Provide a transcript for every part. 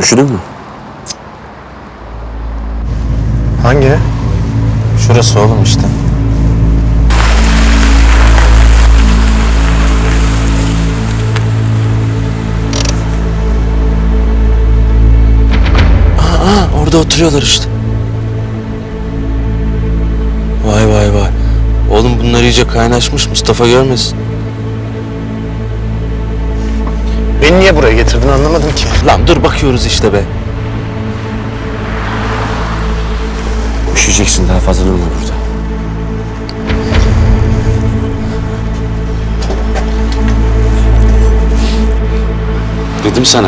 Üşüdün mü? Hangi? Şurası oğlum işte. Orada oturuyorlar işte. Vay vay vay. Oğlum bunlar iyice kaynaşmış, Mustafa görmesin. Beni niye buraya getirdin anlamadım ki. Lan dur bakıyoruz işte be. Üşüyeceksin, daha fazla durma burada. Dedim sana.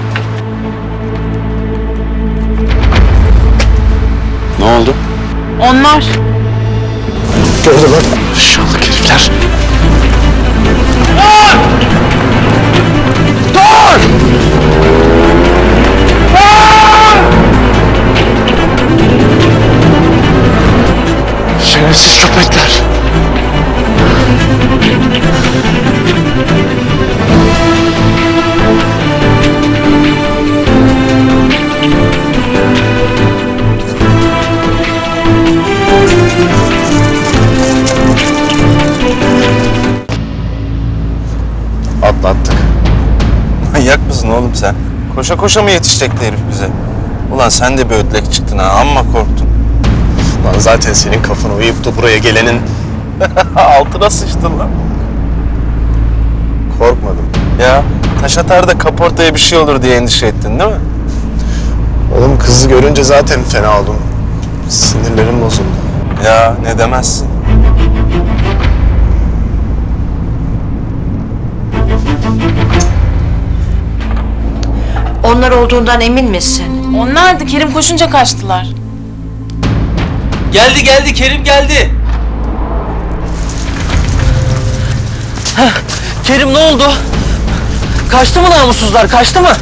Ne oldu? Onlar. Gördü lan. Şallık herifler. Şerefsiz köpekler. Atlattık. Manyak mısın oğlum sen? Koşa koşa mı yetişecekti herif bize? Ulan sen de bir ödlek çıktın ha, amma korktun. Lan zaten senin kafana uyup da buraya gelenin Altına sıçtın lan. korkmadım. Ya taş atar da kaportaya bir şey olur diye endişe ettin değil mi? Oğlum kızı görünce zaten fena oldum. Sinirlerim bozuldu. Ya ne demezsin. Onlar olduğundan emin misin? Onlardı. Kerim koşunca kaçtılar. Geldi geldi, Kerim geldi. Heh, Kerim ne oldu? Kaçtı mı namussuzlar, kaçtı mı?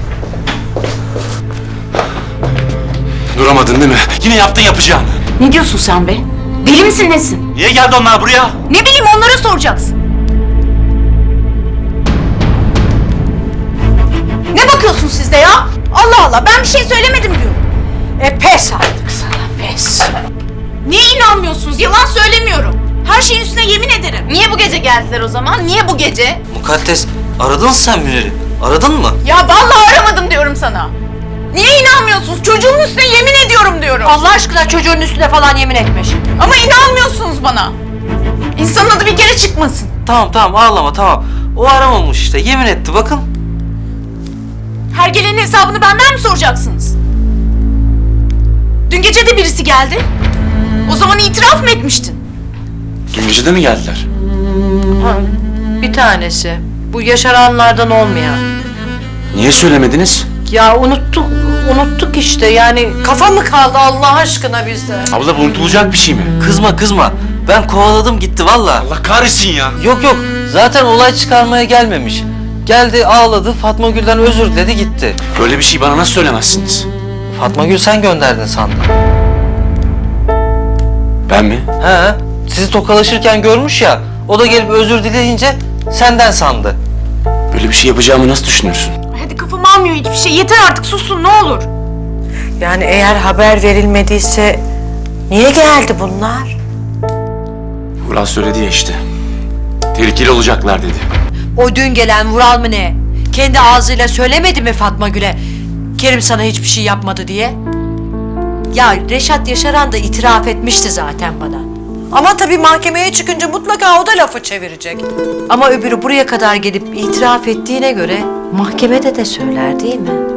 Duramadın değil mi? Yine yaptın yapacağını. Ne diyorsun sen be? Deli misin nesin? Niye geldi onlar buraya? Ne bileyim onlara soracaksın. Ne bakıyorsun siz de ya? Allah Allah ben bir şey söylemedim diyorum. Pes artık sana, pes. Niye inanmıyorsunuz? Yalan söylemiyorum. Her şeyin üstüne yemin ederim. Niye bu gece geldiler o zaman? Niye bu gece? Mukaddes, aradın sen Münir'i. Aradın mı? Ya vallahi aramadım diyorum sana. Niye inanmıyorsunuz? Çocuğumun üstüne yemin ediyorum diyorum. Allah aşkına çocuğun üstüne falan yemin etme şimdi. Ama inanmıyorsunuz bana. İnsanın adı bir kere çıkmasın. Tamam ağlama tamam. O aramamış işte, yemin etti bakın. Her gelenin hesabını benden mi soracaksınız? Dün gece de birisi geldi. O zaman itiraf mı etmiştin? Dün gece de mi geldiler? Bir tanesi. Bu yaşaranlardan olmayan. Niye söylemediniz? Ya unuttuk işte yani kafa mı kaldı Allah aşkına bizde? Abla bu unutulacak bir şey mi? Kızma. Ben kovaladım gitti valla. Allah kahretsin ya. Yok zaten olay çıkarmaya gelmemiş. Geldi ağladı, Fatma Gül'den özür diledi gitti. Böyle bir şey bana nasıl söylemezsiniz? Fatma Gül sen gönderdin sandım. Ben mi? He, sizi tokalaşırken görmüş ya, o da gelip özür dileyince senden sandı. Böyle bir şey yapacağımı nasıl düşünürsün? Hadi kafam almıyor hiçbir şey. Yeter artık susun ne olur. Yani eğer haber verilmediyse niye geldi bunlar? Vural söyledi ya işte. Tehlikeli olacaklar dedi. O dün gelen Vural mı ne? Kendi ağzıyla söylemedi mi Fatma Gül'e? Kerim sana hiçbir şey yapmadı diye. Ya Reşat Yaşaran da itiraf etmişti zaten bana. Ama tabii mahkemeye çıkınca mutlaka o da lafı çevirecek. Ama öbürü buraya kadar gelip itiraf ettiğine göre mahkemede de söyler değil mi?